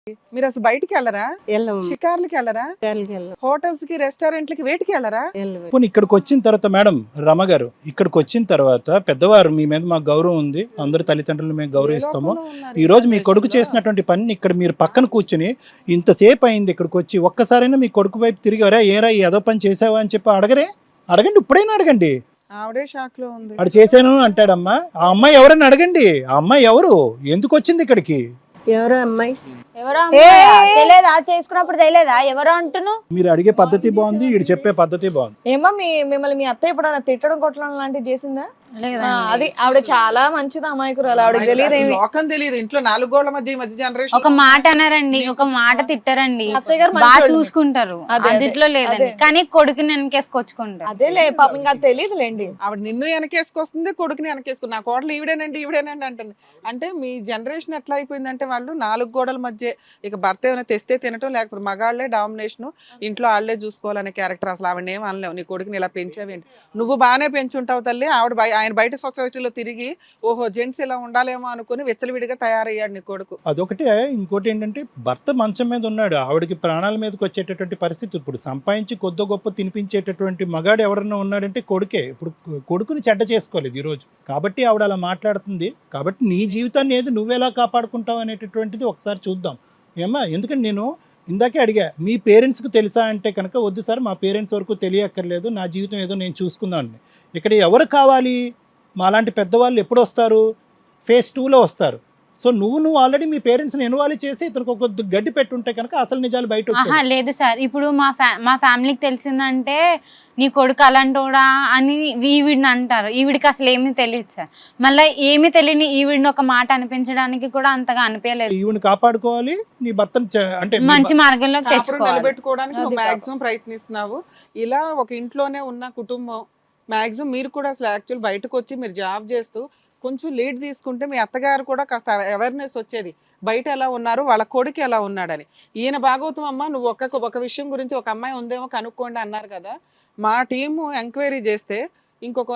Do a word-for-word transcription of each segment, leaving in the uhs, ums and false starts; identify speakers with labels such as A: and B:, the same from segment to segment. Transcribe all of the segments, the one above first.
A: మీరు అసలు బయటికి వెళ్ళరా?
B: వెళ్ళము
A: షికార్లకి వెళ్ళరా?
B: షికార్లకి వెళ్ళం
A: హోటల్స్ కి రెస్టారెంట్లకి వేటికి వెళ్ళరా?
B: వెళ్ళము
C: పోనీ ఇక్కడికి వచ్చిన తర్వాత మేడం రమ గారు ఇక్కడికి వచ్చిన తర్వాత పెద్దవారు మీ మీద మాకు గౌరవం ఉంది, అందరు తల్లిదండ్రులు మేము గౌరవిస్తాము. ఈ రోజు మీ కొడుకు చేసినటువంటి పని ఇక్కడ మీరు పక్కన కూర్చుని ఇంతసేపు అయింది ఇక్కడికి వచ్చి ఒక్కసారైనా మీ కొడుకు వైపు తిరిగారా, ఏరా ఏదో పని చేసావా అని చెప్పి అడగరే? అడగండి, ఇప్పుడైనా అడగండి.
A: ఆవిడే షాక్ లో ఉంది.
C: అడు చేశాను అంటాడమ్మా. ఆ అమ్మాయి ఎవరని అడగండి. ఆ అమ్మాయి ఎవరు, ఎందుకు వచ్చింది ఇక్కడికి?
B: ఎవరో అమ్మాయి
D: ఎవరో తెలియదా? చేసుకున్నప్పుడు తెలియదా ఎవరో అంటున్నావు?
C: మీరు అడిగే పద్ధతి బాగుంది, వీడు చెప్పే పద్ధతి బాగుంది.
E: ఏమో మీ మిమ్మల్ని మీ అత్త ఎప్పుడైనా తిట్టడం కొట్టడం లాంటివి చేసిందా? ఆ, అది ఆవిడ చాలా మంచిది, అమాయకురాలు, ఆవిడకి తెలియదు ఏమి.
A: లోకం తెలియదు, ఇంట్లో నాలుగు గోళ్ల మధ్య ఈ మధ్య జనరేషన్
D: ఒక మాట అన్నారండి, ఒక మాట తిట్టారండి,
E: అత్తయ్య గారు
D: బాగా
E: మంచోళ్ళు.
D: చూసుకుంటారు,
E: అదే, అదే,
D: అదిట్లో లేదండి.
E: అదే.
D: కానీ కొడుకుని వెనకేసుకొచ్చుకుంటారు.
E: అదేలే పాపం, ఇంకా తెలియదులేండి.
A: ఆవిడ నిన్ను వెనకేసుకొస్తుంది, కొడుకుని వెనకేసుకుని నా కోడలు ఈవిడేనండి ఈవిడేనండి అంటుంది. అంటే మీ జనరేషన్ ఎట్లా అయిపోయిందంటే వాళ్ళు నాలుగు గోడల మధ్య ఇక భర్త ఏమైనా తెస్తే తినటం, లేకపోతే మగాళ్లే డామినేషన్, ఇంట్లో ఆళ్లే చూసుకోవాలనే క్యారెక్టర్. అసలు ఆవిడ ఏం అనలేవు, నీ కొడుకుని ఇలా పెంచావేంటి, నువ్వు బాగానే పెంచుంటావు తల్లి. ఆవిడ బయ- ఆయన బయట సొసైటీలో తిరిగి ఓహో జెంట్స్ ఇలా ఉండాలేమో అనుకుని వెచ్చలవిడిగా తయారయ్యాడు నీ కొడుకు.
C: అదొకటే. ఇంకోటి ఏంటంటే భర్త మంచం మీద ఉన్నాడు, ఆవిడకి ప్రాణాల మీదకి వచ్చేటటువంటి పరిస్థితి. ఇప్పుడు సంపాదించి కొద్ది గొప్ప తినిపించేటటువంటి మగాడు ఎవరన్నా ఉన్నాడంటే కొడుకే. ఇప్పుడు కొడుకుని చెడ్డ చేసుకోలేదు ఈరోజు, కాబట్టి ఆవిడ అలా మాట్లాడుతుంది. కాబట్టి నీ జీవితాన్ని ఏది నువ్వెలా కాపాడుకుంటావు అనేటటువంటిది ఒకసారి చూద్దాం. ఏమ్మా, ఎందుకంటే నేను ఇందాకే అడిగా మీ పేరెంట్స్కి తెలుసా అంటే కనుక వద్దు సార్, మా పేరెంట్స్ వరకు తెలియక్కర్లేదు, నా జీవితం ఏదో నేను చూసుకుందామని. ఇక్కడ ఎవరు కావాలి? మాలాంటి పెద్దవాళ్ళు ఎప్పుడు వస్తారు? ఫేజ్ టూలో వస్తారు. సో నువ్వు నువ్వు ఆల్రెడీ మీ పేరెంట్స్ని ఇన్వాల్వ్ చేసి ఇతనికి ఒక గడ్డి పెట్టుంటే కనుక అసలు నిజాలు బయట
D: ఆహా
C: వచ్చేవి.
D: లేదు సార్, ఇప్పుడు మా ఫ్యా మా ఫ్యామిలీకి తెలిసిందంటే నీ కొడుకు అలాంటోడా అని ఈవిడిని అంటారు. ఈవిడికి అసలు ఏమీ తెలియదు సార్. మళ్ళీ ఏమీ తెలియని ఈవిడిని ఒక మాట అనిపించడానికి కూడా అంతగా అనిపించలేదు.
C: ఈవిని కాపాడుకోవాలి, నీ భర్తను చ- అంటే నీ
D: మంచి మార్గంలోకి
A: కాపురం
D: తెచ్చుకోవాలి.
A: నిలబెట్టుకోవడానికి
E: అది
A: నువ్వు
E: పాపం.
A: మాక్సిమం ప్రయత్నిస్తున్నావు. ఇలా ఒక ఇంట్లోనే ఉన్న కుటుంబం మాక్సిమం మీరు కూడా అసలు యాక్చువల్ బయటకు వచ్చి మీరు జాబ్ చేస్తూ కొంచెం లీడ్ తీసుకుంటే మీ అత్తగారు కూడా కాస్త అవేర్నెస్ వచ్చేది, బయట ఎలా ఉన్నారు, వాళ్ళ కొడుకు ఎలా ఉన్నాడని. ఈయన భాగవతం అమ్మ, నువ్వు ఒక ఒక విషయం గురించి ఒక అమ్మాయి ఉందేమో కనుక్కోండి అన్నారు కదా. మా టీము ఎంక్వైరీ చేస్తే ఇంకొక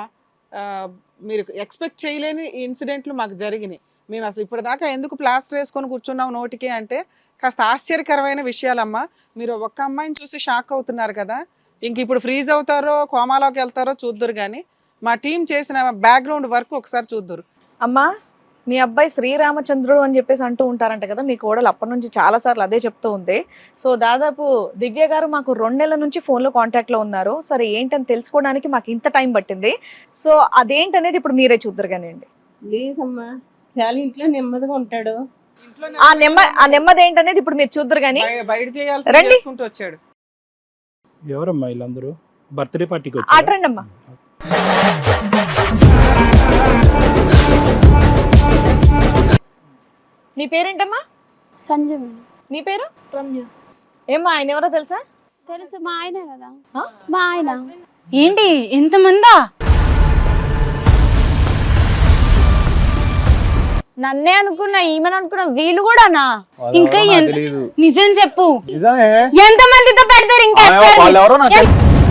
A: ఆ, మీరు ఎక్స్పెక్ట్ చేయలేని ఇన్సిడెంట్లు మాకు జరిగినాయి. మేము అసలు ఇప్పటిదాకా ఎందుకు ప్లాస్టర్ వేసుకొని కూర్చున్నాం నోటికి అంటే కాస్త ఆశ్చర్యకరమైన విషయాలమ్మా. మీరు ఒక్క అమ్మాయిని చూసి షాక్ అవుతున్నారు కదా, ఇంక ఇప్పుడు ఫ్రీజ్ అవుతారో కోమాలోకి వెళ్తారో చూద్దరు. కానీ మా టీం చేసిన బ్యాక్గ్రౌండ్ వర్క్ ఒకసారి చూద్దరు.
E: అమ్మా, మీ అబ్బాయి శ్రీరామచంద్రుడు అని చెప్పేసి అంటూ ఉంటారంట కదా, మీ కోడలు అప్పటి నుంచి చాలా సార్లు అదే చెప్తూ ఉంది. సో దాదాపు దివ్య గారు మాకు రెండు నెలల నుంచి ఫోన్లో కాంటాక్ట్లో ఉన్నారు. సరే ఏంటని తెలుసుకోవడానికి మాకు ఇంత టైం పట్టింది. సో అదేంటనేది ఇప్పుడు మీరే చూద్దరు కానివ్వండి.
B: లేదమ్మా, చాలా ఇంట్లో నెమ్మదిగా ఉంటాడు.
E: ఆ నెమ్మ ఆ నెమ్మది ఏంటనేది ఇప్పుడు మీరు చూద్దరు కానీ
A: బయ- బయట చేయాల్సి
E: రండి.
A: చేసుకుంటూ వచ్చాడు.
C: ఎవరమ్మా వీళ్ళందరూ? బర్త్డే పార్టీకి
E: ఆట
C: వచ్చారు.
E: రండి అమ్మా. నీ పేరేంటమ్మా?
F: సంజయ్
E: నీ పేరు? రమ్య. ఏమ్మా, ఆయన ఎవరో తెలుసా?
F: తెలుసు, మా ఆయన కదా.
E: ఆ?
F: మా ఆయన
D: ఏంటి ఇంతమందా? నన్నే అనుకున్నా, ఈమెను అనుకున్నా, వీళ్ళు కూడానా? ఇంకా ఎంత- నిజం చెప్పు, ఎంత మందితో పెడతారు ఇంకా ఎఫ్ఐఆర్?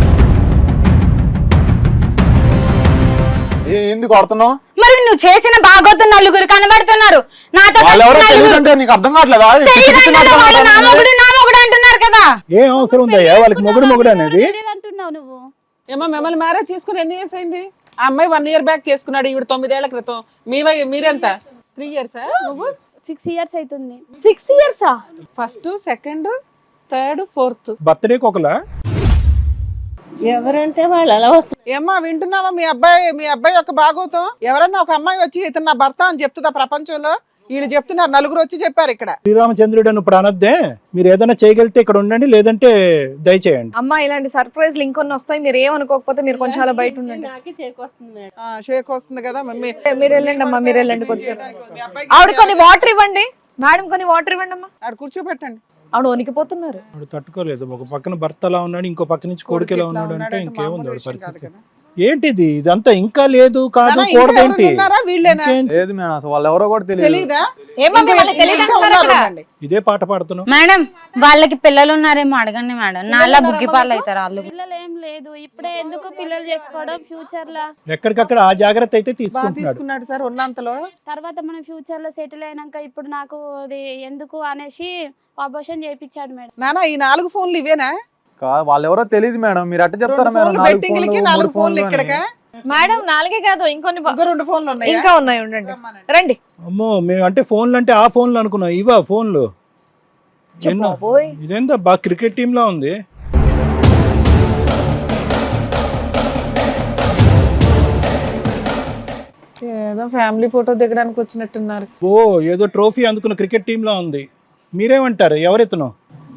G: ఎందుకు కొడుతున్నావు?
D: మరి నువ్వు చేసిన బాగోతు నలుగురు కనబడుతున్నారు, నాతో
G: వాళ్ళెవరో
D: నలుగురు
G: తెలియదంటే నీకు అర్థం కావట్లేదా?
D: తెలియదంటే వాళ్ళు నా మొగుడు నా మొగుడు అంటున్నారు కదా.
C: ఏం అవసరం ఉందయ్యా వాళ్ళకి మొగుడు మొగుడు అనేది?
F: అంటున్నావు నువ్వు.
A: ఏమో మిమ్మల్ని మ్యారేజ్ చేసుకుని ఎన్ని ఇయర్స్ అయింది? ఆ అమ్మాయి వన్ ఇయర్ బ్యాక్ చేసుకున్నాడు, ఈవిడ తొమ్మిదేళ్ల క్రితం. మీ వయ- మీరెంత? త్రీ ఇయర్స్ నువ్వు?
F: సిక్స్ ఇయర్స్ అవుతుంది.
E: సిక్స్ ఇయర్సా?
A: First, second, third, fourth.
C: బర్త్డేకి ఒకలా?
B: ఎవరంటే వాళ్ళు అలా వస్తారు.
A: ఏమ్మా వింటున్నావా? మీ అబ్బాయి మీ అబ్బాయి యొక్క భాగవతం. ఎవరన్నా ఒక అమ్మాయి వచ్చి ఇతను నా భర్త అని చెప్తుందా ప్రపంచంలో? ఈయన చెప్తున్నారు, నలుగురు వచ్చి చెప్పారు ఇక్కడ.
C: శ్రీరామచంద్రుడు అని ఇప్పుడు అనొద్దే. మీరు ఏదైనా చేయగలిగితే ఇక్కడ ఉండండి, లేదంటే దయచేయండి.
E: అమ్మా, ఇలాంటి సర్ప్రైజ్లు ఇంకొన్ని వస్తాయి, మీరు ఏమనుకోకపోతే మీరు కొంచెం అలా బయట ఉండండి.
B: నాకే చేకొస్తుంది మేడం.
A: ఆ, షేక్ వస్తుంది కదా మమ్మీ.
E: మీరు వెళ్ళండి అమ్మా, మీరు వెళ్ళండి కొంచెం.
A: మీ అబ్బాయికి
E: ఆవిడ కొన్ని వాటర్ ఇవ్వండి మేడం, కొన్ని వాటర్ ఇవ్వండి అమ్మా.
A: ఆడ కూర్చోబెట్టండి.
E: ఆవిడ వణికిపోతున్నారు.
C: వాడు తట్టుకోలేదు. ఒక పక్కన భర్త ఎలా ఉన్నాడు, ఇంకో పక్క నుంచి కొడుకు ఎలా ఉన్నాడు అంటే ఇంకేముంది వాడి
A: మామూలు విషయం కాదు
C: పరిస్థితి.
A: కదా.
C: ఏంటిది ఇదంతా ఇంకా లేదు కాదు
A: నాన్న, ఇంకా
C: కూడదేంటి
A: ఎవరైనా ఉన్నారా? వీళ్ళేనా?
C: ఇంకేం-
G: లేదు మేడం అసలు వాళ్ళు ఎవరో కూడా తెలియదు.
A: తెలీదా?
E: ఏమో
A: ఇంకా
E: వాళ్ళకి తెలియదు
A: ఇంకా
E: అంటున్నారు
A: ఉన్నారు
E: అక్కడ.
A: ఉండండి.
C: ఇదే పాట పాడుతున్నావు
D: మేడం వాళ్ళకి పిల్లలు ఉన్నారేమో అడగండి మేడం, నాలా బుగ్గి పాలు అవుతారు వాళ్ళు.
F: పిల్లలు ఏం లేదు, ఇప్పుడే ఎందుకు పిల్లలు చేసుకోవడం, ఫ్యూచర్ లో
C: ఎక్కడికక్కడ ఆ జాగ్రత్త అయితే
A: బాగా
C: తీసుకుంటున్నాడు.
A: తీసుకున్నాడు సార్ ఉన్నంతలో.
F: తర్వాత మనం ఫ్యూచర్ లో సెటిల్ అయినాక ఇప్పుడు నాకు అది ఎందుకు అనేసి అబోషన్ చేయించాడు మేడం.
A: నానా ఈ నాలుగు ఫోన్లు ఇవేనా?
G: కా- వాళ్ళు ఎవరో తెలియదు మేడం, మీరు అట్ట చెప్తారా
A: రెండు
G: మేడం?
A: ఫోన్లు
G: నాలుగు
A: బెట్టింగ్లకి,
G: ఫోన్లు,
A: నాలుగు
G: మూడు
A: ఫోన్లు
G: ఫోన్లు
A: ఇక్కడికా?
E: మేడం నాలుగే కాదు ఇంకొన్ని ప-
A: ఇంకా రెండు ఫోన్లు ఉన్నాయా?
E: ఇంకా ఉన్నాయి ఉండండి రండి.
C: అమ్మో మేము అంటే ఫోన్లు అంటే ఆ ఫోన్లు అనుకున్నాం, ఇవా ఫోన్లు ఎన్నో
E: బాబోయ్.
C: ఇదేందో బాగా క్రికెట్ టీమ్ లా ఉంది.
A: ఏదో ఫ్యామిలీ ఫోటో దిగడానికి వచ్చినట్టున్నారు.
C: ఓ ఏదో ట్రోఫీ అందుకున్న క్రికెట్ టీమ్ లా ఉంది. మీరేమంటారు? ఎవరెత్తును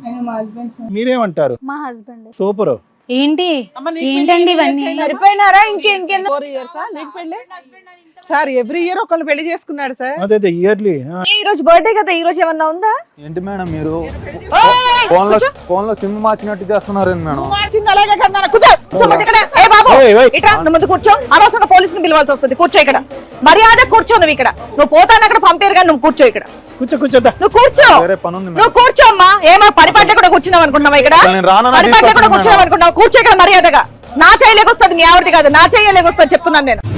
C: మీరేమంటారు?
H: మా హస్బెండ్.
C: సూపర్.
D: ఏంటి
A: అమ్మ, నీకు
D: ఏంటండి
A: పెళ్లి
D: ఇవన్నీ?
A: చేస్తే
E: సరిపోయినారా ఇంకెందుకు?
A: ఫోర్ ఇయర్సా నీకు పెళ్ళి? సార్ ఎవ్రీ ఇయర్ ఒకళ్ళు పెళ్లి చేసుకున్నాడు సార్.
C: అదే అదే ఇయర్లీ.
E: ఈ రోజు బర్త్డే కదా, ఈ రోజు ఏమన్నా ఉందా?
G: ఏంటి మేడం మీరు ఫోన్ లో ఫోన్ లో సిమ్ మార్చినట్టు చేస్తున్నారు ఏంటి మేడం?
A: మార్చింది అలాగే కదా నాన్న, కూర్చో.
E: కూర్చోమంటే ఇక్కడ. ఏ బాబు ఇట్రా, నువ్వు ముందు కూర్చో. అనవసరంగా పోలీసుని పిలవాల్సి వస్తుంది. కూర్చో ఇక్కడ, మర్యాద కూర్చో. నువ్వు ఇక్కడ నువ్వు పోతాను అక్కడ పంపారు కానీ నువ్వు కూర్చో ఇక్కడ.
C: కూర్చో కూర్చోద్దా.
E: నువ్వు కూర్చో,
G: వేరే పని ఉంది
E: నువ్వు
G: మేడం.
E: కూర్చో అమ్మా. ఏమో పని పట్టే కూడా కూర్చున్నావు అనుకుంటున్నావా ఇక్కడ?
G: అసలు నేను రానన్నా
E: పని పట్టే కూడా
G: తీసుకొచ్చాను
E: కూర్చున్నావు
G: మేడం.
E: అనుకుంటున్నావు. కూర్చో ఇక్కడ మర్యాదగా. నా చేయలేకొస్తుంది, నీ ఆవిడది కాదు, నా చేయలేకొస్తుంది చెప్తున్నాను నేను.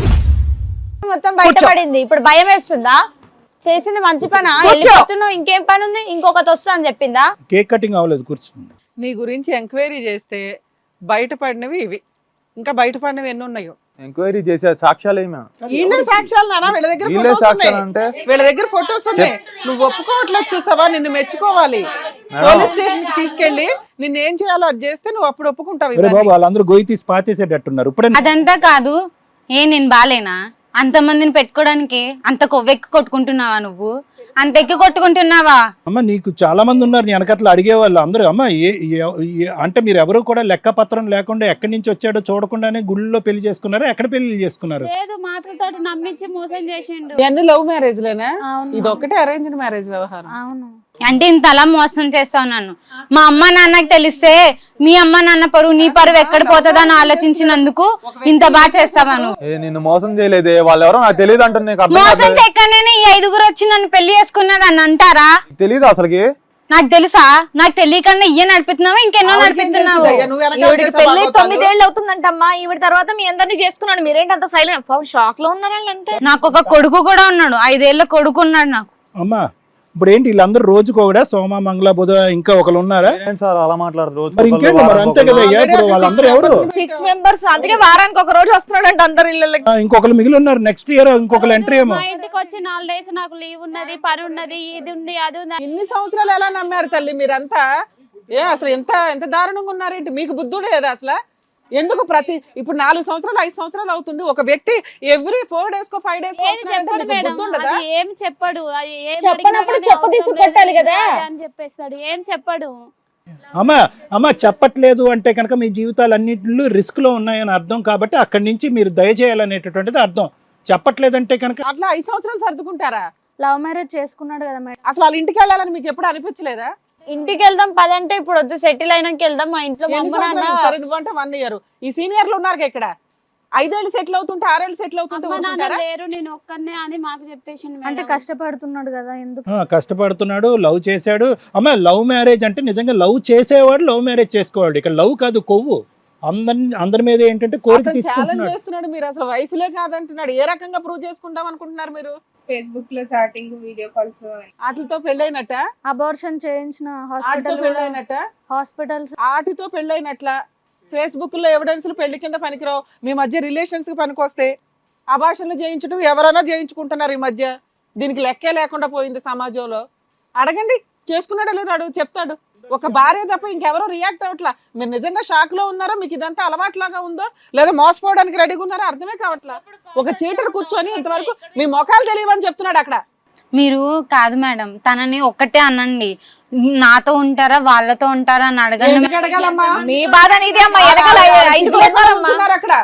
H: మొత్తం బయటపడింది, ఇప్పుడు భయం వేస్తుందా? చేసింది మంచి పనా?
E: కూర్చో.
H: వెళ్ళిపోతున్నావు, ఇంకేం పని ఉంది? ఇంకొకటి వస్తా అని చెప్పిందా?
C: కేక్ కటింగ్ అవ్వలేదు, కూర్చో.
A: నీ గురించి ఎంక్వైరీ చేస్తే బయటపడినవి ఇవి, ఇంకా బయటపడినవి ఎన్ని ఉన్నాయో.
G: ఎంక్వైరీ చేసే సాక్ష్యాలు ఏమి మేడం?
A: వీళ్ళే సాక్ష్యాలు నాన్న, వీళ్ళ దగ్గర
G: వీళ్ళే
A: photos
G: సాక్ష్యాలు
A: ఉన్నాయి.
G: అంటే?
A: వీళ్ళ దగ్గర ఫొటోస్ ఉన్నాయి. నువ్వు ఒప్పుకోవట్లేదు చూసావా, నిన్ను మెచ్చుకోవాలి. పోలీస్ స్టేషన్ కి తీసుకెళ్లి నిన్ను ఏం చేయాలో అది చేస్తే నువ్వు అప్పుడు ఒప్పుకుంటావు.
C: అరే
A: ఇవన్నీ.
C: బాబు వాళ్ళందరూ గొయ్యి తీసి పాతేసేటట్టున్నారు ఇప్పుడే.
D: అదంతా కాదు, ఏ నేను బాలేనా? అంతమందిని పెట్టుకోవడానికి అంత కొవ్వెక్కి కొట్టుకుంటున్నావా నువ్వు? అంత ఎక్కి కొట్టుకుంటున్నావా?
C: అమ్మ నీకు చాలా మంది ఉన్నారు నీ వెనకట్ల అడిగేవాళ్ళు అందరూ. అమ్మ ఏ ఏ- ఏ- అంటే మీరు ఎవరు కూడా లెక్క పత్రం లేకుండా ఎక్కడి నుంచి వచ్చాడో చూడకుండానే గుళ్ళో పెళ్లి చేసుకున్నారా? ఎక్కడ పెళ్లి చేసుకున్నారు?
F: లేదు, మాటలతో నమ్మించి మోసం చేసిండు.
A: ఇవన్నీ లవ్ మ్యారేజ్ లేనా?
H: అవును.
A: ఇది ఒకటే అరేంజ్డ్ మ్యారేజ్ వ్యవహారం.
H: అవును.
D: అంటే ఇంత అలా మోసం చేస్తావు నన్ను. మా అమ్మ నాన్నకి తెలిస్తే మీ అమ్మ నాన్న పరువు నీ పరువు ఎక్కడ పోతుందో అని ఆలోచించినందుకు ఇంత బాగా చేస్తావా నువ్వు?
G: ఏ నిన్ను మోసం చేయలేదే, వాళ్ళు ఎవరో నాకు తెలియదు అంటుంది. నీకు అర్థం
D: మోసం
G: కాదు.
D: చెక్కనే ఈ ఐదుగురు వచ్చి నన్ను పెళ్లి చేసుకున్నది అని అంటారా?
G: తెలీదు అసలుకి.
D: నాకు తెలుసా? నాకు తెలియకన్నా ఇయ్య నడిపిస్తున్నావా ఇంకెన్నో
A: ఆవిడకేం
D: నడిపిస్తున్నావు?
A: తెలుసుదయ్యా, నువ్వు వెనకాల
E: ఈవిడికి
A: చేసే
E: పెళ్లి
A: బాగోతాలు.
E: తొమ్మిదేళ్ళు అవుతుందంటమ్మా. ఈవిడ తర్వాత మీ అందరినీ చేసుకున్నాడు. మీరేంటి అంత సైలెంట్? షాక్ లో ఉన్నారండి అంతే.
D: నాకు ఒక కొడుకు కూడా ఉన్నాడు, ఐదేళ్ల కొడుకు ఉన్నాడు నాకు.
C: అమ్మా ఇప్పుడు ఏంటి వీళ్ళందరూ రోజుకు ఒకడా? సోమ మంగళ బుధ ఇంకా ఒకరు ఉన్నారా?
G: ఏంటి సార్ అలా మాట్లాడరు? రోజు
C: మరి ఇంకేంటి మరి అంతే కదా అయ్యా. ఇప్పుడు వాళ్ళందరూ ఎవరు?
E: సిక్స్ మెంబర్స్, అందుకే వారానికి ఒక రోజు వస్తున్నాడంట అందరు ఇళ్ళకి.
C: ఆ, ఇంకొకరు మిగిలి ఉన్నారు. నెక్స్ట్ ఇయర్ ఇంకొకరు ఎంట్రీ ఏమో.
F: మా ఇంటికి వచ్చి నాలుగు డేస్ నాకు లీవ్ ఉన్నది, పని ఉన్నది, ఇది ఉంది, అది ఉంది.
A: ఇన్ని సంవత్సరాలు ఎలా నమ్మారు తల్లి మీరంతా? ఏ అసలు ఎంత ఎంత దారుణంగా ఉన్నారేంటి? మీకు బుద్ధుడు లేదా అసలు? ఎందుకు ప్రతి ఇప్పుడు నాలుగు సంవత్సరాలు ఐదు సంవత్సరాలు అవుతుంది ఒక వ్యక్తి ఎవ్రీ ఫోర్ డేస్ కో ఫైవ్ డేస్
F: ఏది చెప్పడు మేడం,
A: బుద్ధి ఉండదా?
F: అది ఏం చెప్పడు. అది ఏం
E: చెప్పనప్పుడు
F: అడిగినా
E: చెప్పు
F: కానీ
E: తీసి
F: అవసరం
E: కొట్టాలి
F: లేదు
E: కదా.
F: అని చెప్పేస్తాడు. ఏం చెప్పడు.
C: అమ్మ అమ్మ చెప్పట్లేదు అంటే కనుక మీ జీవితాలు అన్నింటిలో రిస్క్ లో ఉన్నాయని అర్థం. కాబట్టి అక్కడి నుంచి మీరు దయచేయాలనేటటువంటిది అర్థం. చెప్పట్లేదంటే కనుక
A: అట్లా ఐదు సంవత్సరాలు సర్దుకుంటారా?
H: లవ్ మ్యారేజ్ చేసుకున్నాడు కదా మేడం.
A: అసలు వాళ్ళ ఇంటికి వెళ్ళాలని మీకు ఎప్పుడు అనిపించలేదా?
H: ఇంటికి వెళ్దాం పదంటే ఇప్పుడు వద్దు, సెటిల్ అయినాక వెళ్దాం. మా ఇంట్లో మా
A: ఎన్ని
H: అమ్మ నాన్న
A: సంవత్సరాలు? సరే నువ్వంటే వన్ ఇయర్. ఈ సీనియర్లు ఉన్నారు ఇక్కడ, ఐదేళ్ళు సెటిల్ అవుతుంటే ఆరేళ్ళు సెటిల్ అవుతుంటే
F: అమ్మ నాన్న
A: ఊరుకుంటారా?
F: లేరు, నేను ఒక్కనే అని మాకు చెప్పేసింది మేడం.
H: అంటే కష్టపడుతున్నాడు కదా, ఎందుకు?
C: ఆ, కష్టపడుతున్నాడు, లవ్ చేశాడు. అమ్మ లవ్ మ్యారేజ్ అంటే నిజంగా లవ్ చేసేవాడు లవ్ మ్యారేజ్ చేసుకోవాడు. ఇక్కడ లవ్ కాదు, కొవ్వు. అందరి అందరి మీద ఏంటంటే కోరిక
A: అతను ఛాలెంజ్
C: తీసుకుంటున్నాడు.
A: చేస్తున్నాడు. మీరు అసలు వైఫ్లే కాదంటున్నాడు. ఏ రకంగా ప్రూవ్ చేసుకుంటాం అనుకుంటున్నారు మీరు?
B: ఫేస్బుక్ లో చాటింగ్, వీడియో కాల్స్.
A: వాటితో పెళ్ళైనట్ట,
H: అబార్షన్ చేయించిన
A: ఆటితో
H: హాస్పిటల్
A: పెళ్ళైనట్ట,
H: హాస్పిటల్స్
A: ఆటితో పెళ్ళైనట్ల. ఫేస్బుక్ లో ఎవిడెన్స్లు పెళ్లి కింద పనికిరావు. మీ మధ్య రిలేషన్స్ కి పనికొస్తే అభాషణలు చేయించడం ఎవరైనా చేయించుకుంటున్నారు ఈ మధ్య. దీనికి లెక్కే లేకుండా పోయింది సమాజంలో. అడగండి, చేసుకున్నాడో లేదో అడుగు, చెప్తాడు. ఒక భార్య తప్ప ఇంకెవరో రియాక్ట్ అవట్లా. మీరు నిజంగా షాక్ లో ఉన్నారో, మీకు ఇదంతా అలవాట్లాగా ఉందో, లేదా మోసపోవడానికి రెడీగా ఉన్నారో అర్థమే కావట్లా. ఒక చీటర్ కూర్చొని ఇంతవరకు మీ మొఖాలు తెలియవని చెప్తున్నాడు అక్కడ.
D: మీరు కాదు మేడం, తనని ఒక్కటే అనండి, నాతో ఉంటారా వాళ్ళతో ఉంటారా అని అడగండి.
A: ఎందుకు అడగాలమ్మా?
E: నీ బాధ నీదే అమ్మా. వెనకాల ఐదుగురు ఉన్నారమ్మా.
A: కూర్చున్నారు అక్కడ.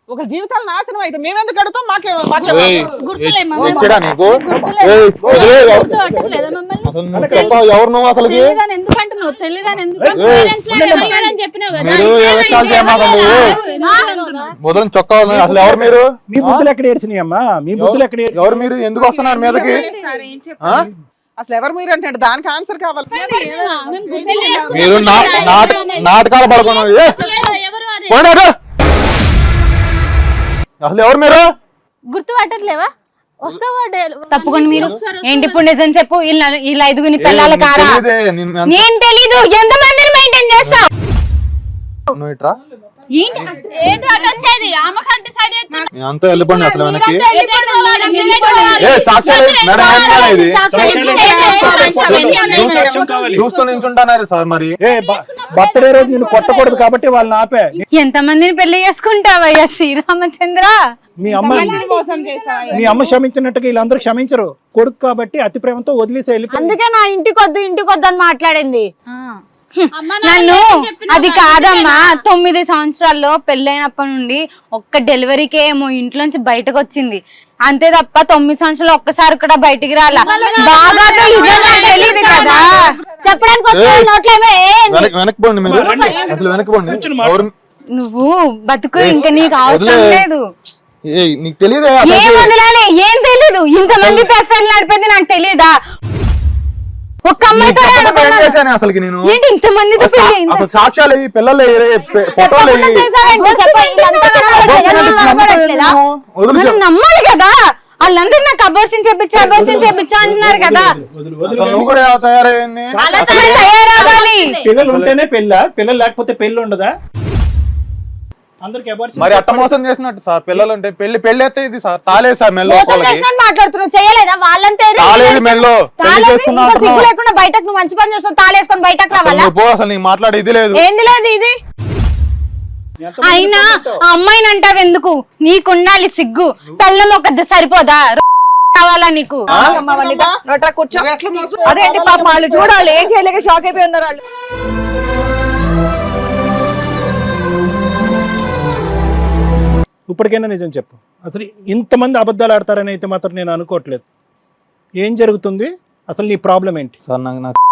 A: ఒక జీవితాలు నాశనం అయితే మేమెందుకు కడతాం? మాకే మాకే
G: ఏయ్,
H: గుర్తులే
G: ఏయ్,
H: మమ్మల్ని.
G: ఇచ్చిరా నీకు?
H: గుర్తులేదు.
G: ఏయ్, వదిలేయ్, ఎవరు-
H: గుర్తు పట్టట్లేదా మమ్మల్ని?
G: అసలు నువ్వు చెప్పావు, ఎవరు నువ్వు అసలుకి?
H: తెలియదని ఎందుకు అంటున్నావు? తెలియదని ఎందుకు
G: ఏయ్,
F: చెప్పినావు కదా
G: మీరు ఎగస్ట్రాలు చేయమాకండి. మొదలు చొక్కా వదిలేయ్. అసలు ఎవరు మీరు?
C: మీ బుద్ధులు ఎక్కడ ఏడ్చినాయి అమ్మా? మీ బుద్ధులు ఎక్కడ ఏడ్చినాయి?
G: ఎవరు మీరు? ఎందుకు వస్తున్నారు మీదకి? ఆ?
A: అసలు ఎవరు మీరు అంటే దానికి ఆన్సర్ కావాలి.
G: మీరు నా- నాట- నాటకాలు పడుకున్నారు. ఏ, పోండి అటు. అసలు ఎవరు మీరు?
H: గుర్తు పట్టట్లేవా? వస్తావా డే-
D: తప్పుకొని మీరు
H: ఒకసారి
D: ఏంటి ఇప్పుడు నిజం చెప్పు. వీళ్ళ వీళ్ళ ఐదుగుని పిల్లల
G: ఏ, నీకు
D: కారా?
G: తెలీదే, నిన్ను ఎంత-
D: నేను తెలీదు. ఎంత మందిని మెయింటైన్ చేస్తావు?
G: నువ్వు ఇట్రా.
F: ఏంటి ఏంటి అటు వచ్చేది? ఆమెకంటే సైడ్
G: నీ అంతా వెళ్ళిపోండి అసలు వెనక్కి.
H: మీరంతా వెళ్ళిపోండి, మీరంతా వెళ్ళిపోండి.
G: ఏ సాక్ష్యాలు మేడం, ఏం కాదు ఇది?
H: సాక్ష్యాలు
C: నువ్వు సాక్ష్యం కావాలి.
G: చూస్తూ నించుంటున్నారు సార్ మరి.
C: ఏ బర్త్డే రోజు నేను కొట్టకూడదు కాబట్టి వాళ్ళని ఆపే.
D: ఎంత మందిని పెళ్లి చేసుకుంటావయ్యా శ్రీరామచంద్ర?
C: మీ అమ్మ
B: మోసం చేసావా?
C: మీ అమ్మ క్షమించినట్టుగా వీళ్ళందరూ క్షమించరు. కొడుకు కాబట్టి అతి ప్రేమతో వదిలేసి వెళ్ళిపోయి
H: అందుకే నా ఇంటికి వద్దు ఇంటికి వద్దు అని మాట్లాడింది.
D: నన్ను అది కాదమ్మా, తొమ్మిది సంవత్సరాల్లో పెళ్ళైనప్పటి నుండి ఒక్క డెలివరీకే ఏమో ఇంట్లోంచి బయటకు వచ్చింది అంతే తప్ప తొమ్మిది సంవత్సరాలు ఒక్కసారి కూడా బయటికి రాలా. బాగా తెలియదు కదా
H: చెప్పడానికి వస్తే నోట్లో ఏమో ఏంది?
G: వెనక్కి వెనక్కి పోండి మీరు. అసలు వెనక్కి పోండి. ఎవరు-
D: నువ్వు బతుకు ఇంకా నీకు అవసరం
G: వదిలే.
D: లేదు.
G: ఏ, నీకు తెలియదే
D: ఏం వదలాలి? ఏం తెలీదు. ఇంతమంది ఎఫ్ఐఆర్ నడిపింది నాకు తెలియదా? ఒక్క అమ్మాయితో
G: చేశాను అసలుకి నేను.
D: ఏంటి ఇంతమందితో పెళ్లి అయిందా?
G: అసలు సాక్ష్యాలు ఇవి, పిల్లలు ఇవి, ఫోటోలు
H: చెప్పకుండా
G: ఇవి.
H: చేసావేంటి? చెప్ప వీళ్ళంతా కనబడట్లేదా? నువ్వు కనబడట్లేదా?
G: వదులు
D: మనం
G: చెప్పు.
D: నమ్మాలి కదా. వాళ్ళందరూ నాకు అబోర్షన్ చేపించా అబోర్షన్ చేపించా అంటున్నారు కదా.
C: వదిలు, వదిలు.
G: అసలు నువ్వు కూడా ఎలా తయారైంది?
H: అలా
D: అసలు తయారవ్వాలి.
C: పిల్లలు ఉంటేనే పెళ్ళ, పిల్లలు లేకపోతే పెళ్ళి ఉండదా? అందరికి abortion
G: మరి అట్ట మోసం చేసినట్టు సార్. పిల్లలు అంటే పెళ్లి పెళ్లి అయితే ఇది సార్ తాలేదు సార్ మెల్లో.
H: మోసం చేసినట్టు మాట్లాడుతున్నావు. చేయలేదా? వాళ్ళంతా ఏదో
G: తాలేదు మెల్లో. పెళ్లి
H: తాళేసి
G: చేసుకున్నా
H: ఇంకో సిగ్గు
G: అంటున్నావు.
H: లేకుండా బయటకు నువ్వు మంచి పని చేస్తావు. తాళేసుకొని బయటకు
G: అసలు
H: రావాలా?
G: నువ్వు పో, అసలు నీకు మాట్లాడే ఇది లేదు.
H: ఏంది లేదు ఇది?
C: ఎంతమంది
D: అయినా
C: ఉంటావు?
D: ఆ అమ్మాయిని అంటావు ఎందుకు? నీకుండాలి సిగ్గు. పెళ్ళం ఒక సరిపోదా? కావాలా నీకు?
E: అమ్మా, వనిత, నోట్రా కూర్చో. అదేంటి పాప వాళ్ళు చూడాలి, ఏం చేయలేక షాక్ అయిపోయి ఉన్నారు వాళ్ళు.
C: ఇప్పటికైనా నిజం చెప్పు. అసలు ఇంతమంది అబద్ధాలు ఆడతారని అయితే మాత్రం నేను అనుకోవట్లేదు. ఏం జరుగుతుంది? అసలు నీ ప్రాబ్లం ఏంటి?
G: సార్ నాకు నాకు